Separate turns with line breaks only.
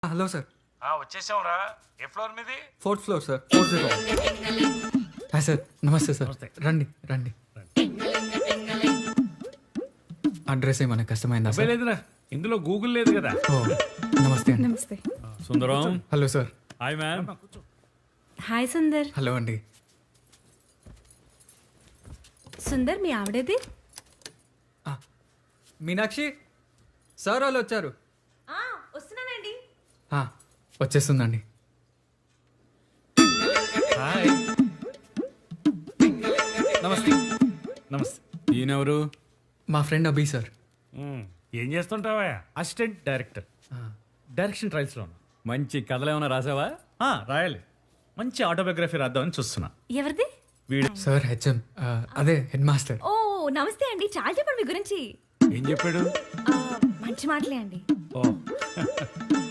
Hello sir.
వచ్చేసాంరా. ఏ floor మీది?
4th floor sir. 40. Hi sir, నమస్తే సార్. రండి రండి. అడ్రస్ ఏమైనా కష్టమైందా సార్?
లేదురా, ఇందులో గూగుల్ లేదు కదా.
ఓ నమస్తే అండి.
నమస్తే.
Sundaram.
Hello sir.
Hi ma'am.
Hi Sundar.
Hello అండి.
సుందర్ మీ ఆవిడేది?
మీనాక్షి సార్ వాళ్ళు వచ్చారు.
వస్తున్నానండి.
వచ్చేస్తుందండి.
హాయ్. నమస్తే. నమస్తే. ఈయనెవరు?
మా ఫ్రెండ్ అభి సార్.
ఏం చేస్తుంటావా?
Assistant director. డైరెక్షన్ ట్రయల్స్లో ఉన్నా. మంచి కథలు ఏమైనా రాసావా? రాయాలి. మంచి ఆటోబయోగ్రఫీ రాద్దామని చూస్తున్నా.
ఎవరిది?
వీడు
సార్ హెచ్ఎం, అదే హెడ్ మాస్టర్.
ఓ నమస్తే అండి, చాలా చెప్పండి మీ గురించి.
ఏం చెప్పాడు?
మంచి మాటలే అండి.
ఓ